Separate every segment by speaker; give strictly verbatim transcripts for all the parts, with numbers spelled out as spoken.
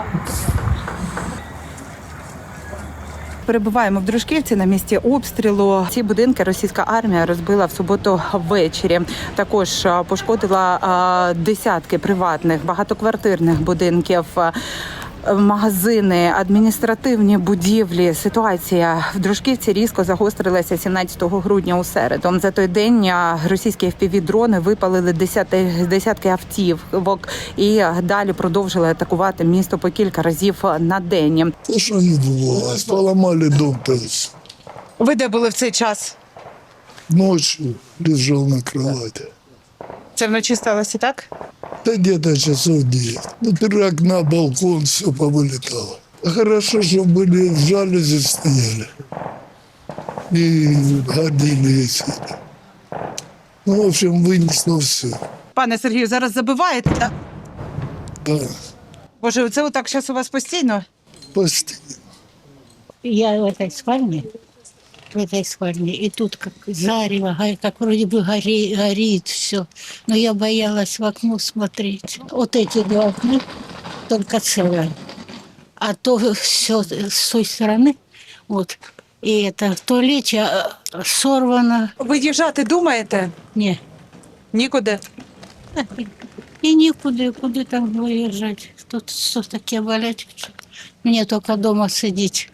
Speaker 1: Перебуваємо в Дружківці на місці обстрілу. Ці будинки російська армія розбила в суботу ввечері. Також пошкодила десятки приватних багатоквартирних будинків, магазини, адміністративні будівлі. Ситуація в Дружківці різко загострилася сімнадцятого грудня у середу. За той день російські еф пі ві-дрони випалили десятки, десятки автівок і далі продовжили атакувати місто по кілька разів на день.
Speaker 2: Те, що відбувалося, поламали дом.
Speaker 1: Ви де були в цей час?
Speaker 2: Ночью лежав на кровати.
Speaker 1: Це вночі сталося, так?
Speaker 2: Да где-то часов девять. Ну, три окна, балкон, все повылетало. А хорошо, что были в жалюзи стояли. И гордили висели. Ну, в общем, вынесло все.
Speaker 1: Пане Сергію, зараз забиваєте? Так?
Speaker 2: Да,
Speaker 1: Боже, це отак зараз у вас постійно?
Speaker 2: постійно.
Speaker 3: Я в этой спальне, в этой спальне, и тут как зарево, га- как вроде бы гори, горит все. Но я боялась в окно смотреть. Вот эти два окна только целые. А то все с той стороны, вот, и это в туалете а, сорвано.
Speaker 1: Виїжджати думаєте?
Speaker 3: Не,
Speaker 1: Нікуди.
Speaker 3: и никуда, куда там выезжать. Тут что такие болячки. Мне только дома сидеть.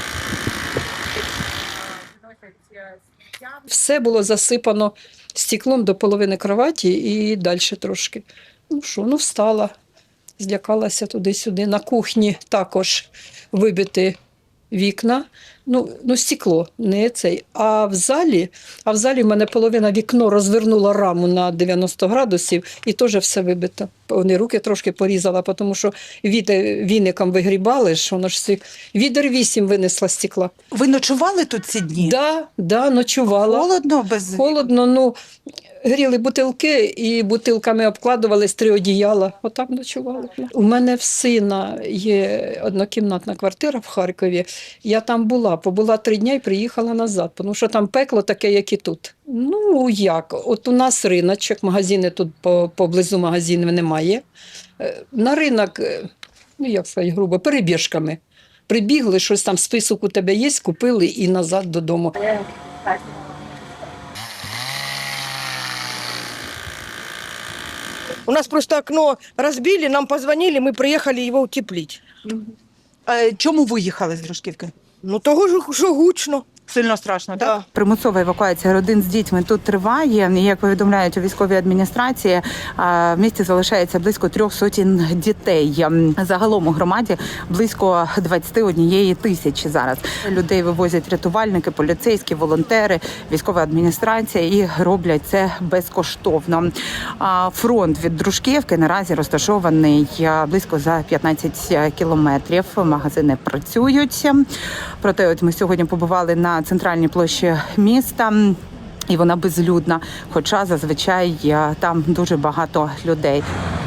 Speaker 4: Все було засипано стеклом до половини кроваті і далі трошки. Ну що, ну встала, злякалася туди-сюди. На кухні також вибиті вікна, ну, ну стекло, не цей. А в залі, а в залі в мене половина вікно розвернула раму на дев'яносто градусів і теж все вибито. Вони руки трошки порізала, тому що віде- віником вигрібали, що воно ж всі... Відер вісім винесла стекла.
Speaker 1: Ви ночували тут ці дні?
Speaker 4: Да, да, ночувала.
Speaker 1: Холодно без...
Speaker 4: Холодно, ну, гріли бутилки і бутилками обкладували з три одіяла. Отак ночували. У мене в сина є однокімнатна квартира в Харкові. Я там була, побула три дні і приїхала назад, тому що там пекло таке, як і тут. Ну, як? От у нас риночок, магазини тут по- поблизу магазинів немає. Е, На ринок, е, ну, як сказати грубо, перебіжками. Прибігли, щось там, список у тебе є, купили і назад додому.
Speaker 5: У нас просто окно разбили, нам позвонили, мы приехали его утеплить.
Speaker 1: Е, Чому виїхали з Дружківки?
Speaker 5: Ну того ж, що гучно.
Speaker 1: Сильно страшно, так?
Speaker 5: Да.
Speaker 1: Примусова евакуація родин з дітьми тут триває. І, як повідомляють у військовій адміністрації, в місті залишається близько трьох сотень дітей. Загалом у громаді близько двадцять однієї тисячі зараз. Людей вивозять рятувальники, поліцейські, волонтери, військова адміністрація і роблять це безкоштовно. А фронт від Дружківки наразі розташований близько за п'ятнадцять кілометрів. Магазини працюють. Проте от ми сьогодні побували на центральній площі міста, і вона безлюдна, хоча зазвичай там дуже багато людей.